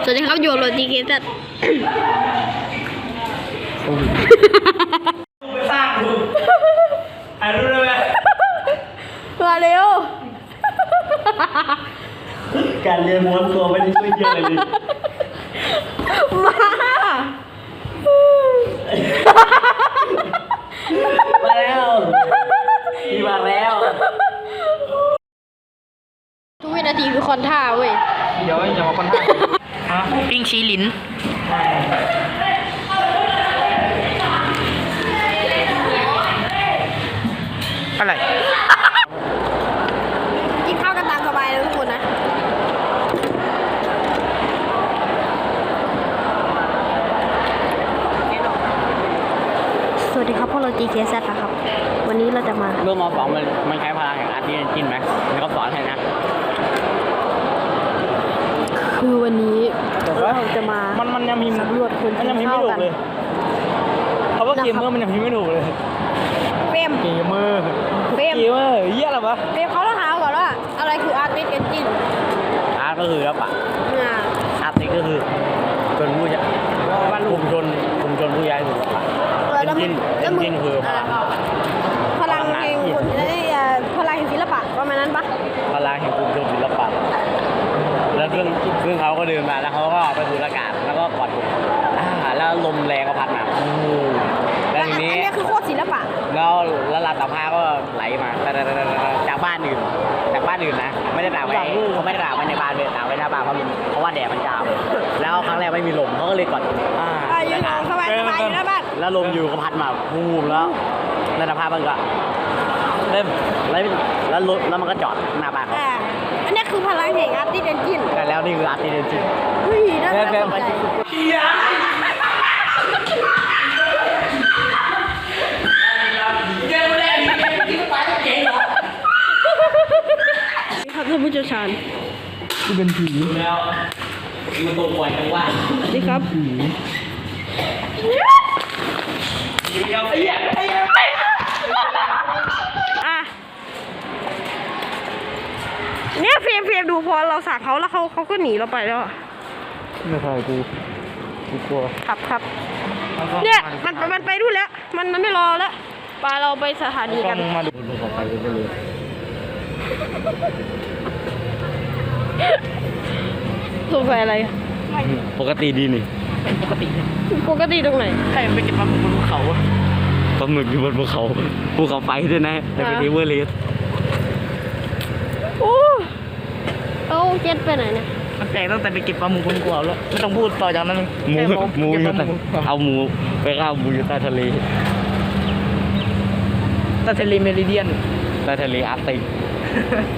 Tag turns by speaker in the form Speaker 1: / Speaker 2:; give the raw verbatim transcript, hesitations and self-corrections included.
Speaker 1: สวัสดีครับโยโรตีเกตัด
Speaker 2: ไปสร้างดูถ่ายรูปได้ไหม
Speaker 1: มาเร็ว
Speaker 2: การเรียนม้วนตัวไม่ได้ช่วยเยอะเลย
Speaker 1: มา
Speaker 2: มาแล้วพี่มาแล้ว
Speaker 1: ทุกวินาทีคือคอนท่าเว้ย
Speaker 2: เดี๋ยวอย่ามาคอนท่า
Speaker 3: ปิ้งชี้ลิ้นอะไร
Speaker 1: กินข้าวกันตามสบายเลยทุกคนนะสวัสดีครับพวกเรา จี เค แซด นะครับวันนี้เราจะมา
Speaker 3: เรื่องมอสองมันมันใช้พลังแห่งอาร์ตจินไหมมันก็สอนให้นะ
Speaker 1: คือวันนี้เราจะมา
Speaker 2: มันมันยังพิมพ์
Speaker 1: สำรวจคน
Speaker 2: มันยังพิมพ์ไม่ถูกเลยเขาว่าเกมเมอร์มันยังพิมพ์ไม่ถูกเลย
Speaker 1: เฟรม
Speaker 2: เกมเมอร์
Speaker 1: เฟรม
Speaker 2: เกมเมอร์เยี่ยอะไรวะ
Speaker 1: เฟรมเขาต้องหาก่อนว่าอะไรคืออาร์ติสต์เอนจิน
Speaker 3: อาร์ตก็คือแล้วปะอาร์ติก็คือชนผู้ใหญ่กลุ่มชนกลุ่มชนผู้ใหญ่ถูกปะเอนจินเอนจินคือ
Speaker 1: พลังแห่งคนพลังแห่งศิลปะประมาณนั้นปะ
Speaker 3: พลังแห่งกลุ่มชนศิลปะแล้วเครื่องเครื่องเขาก็เดินมาแล้วเขาก็ไปดูอากาศแล้วก็กอดแล้วลมแรงก็พัดมาแล้วทีนี้
Speaker 1: อันนี้คือโคตรศิลปะ
Speaker 3: แล้วแล้วลำตะพาก็ไหลมาจากบ้านอื่นจากบ้านอื่นนะไม่ได้ตากไว้เขาไม่ได้ตากไว้ในบ้านเลยตากไว้หน้าบ้านเพราะเพราะว่าแดดมันจ้าแล้วครั้งแรกไม่มีลมเขาก็เลยกอด
Speaker 1: อ่าอยู่สบายสบายอยู่หน้าบ้าน
Speaker 3: แล้วลมอยู่ก็พัดมาพูมแล้วลำตะพามันก็เริ่มแล้วแล้วรถแล้วมันก็จอดหน้าบ้านเขา
Speaker 1: อันนี้คือพลังแห่งอาร์ติสต์เอนจิน
Speaker 3: แต่แล้วนี่คืออาร์ติสต์เอนจิน
Speaker 1: เฮ้ยน่าสนใจครับท่านผู้เชี่ยวชาญ
Speaker 2: ที่เป็นผี
Speaker 3: แล้วมันตกปล่อยจังว่า
Speaker 1: ดีครับ
Speaker 3: ผีเดียวไอ้ยังไอ้ยัง
Speaker 1: อ่ะเนี่ยเฟรมเฟรมดูพอเราสั่งเขาแล้วเขาเขาก็หนีเราไปแล้ว
Speaker 2: ไม่ใช่กูกูกลัว
Speaker 1: ครับครับเนี่ยมันมันไปดูแล้วมันมันไม่รอแล้วปาเราไปสถานีกัน
Speaker 2: มาดูดูของไปเลยเลย
Speaker 1: สงสัยอะไร
Speaker 3: ปกติดีนี่
Speaker 1: ปกติปกติตรงไหน
Speaker 3: ใครไปเก็บปลาหมึกบนภูเขาปลาหมึกอยู่บนภูเขาภูเขาไฟด้วยนะแต่เป็นเอเวอร์เรสต์
Speaker 1: โอ้เอาเจ็ดไปไหนเนี่ย
Speaker 3: มันแปลกตั้งแต่ไปเก็บปลาหมึกบนภูเขาแล้วไม่ต้องพูดต่อจากนั้นหมูหมูอยู่ใต้เอาหมูไปข้าวหมูอยู่ใต้ทะเลใต้ทะเลเมริเดียนใต้ทะเลอาร์กติก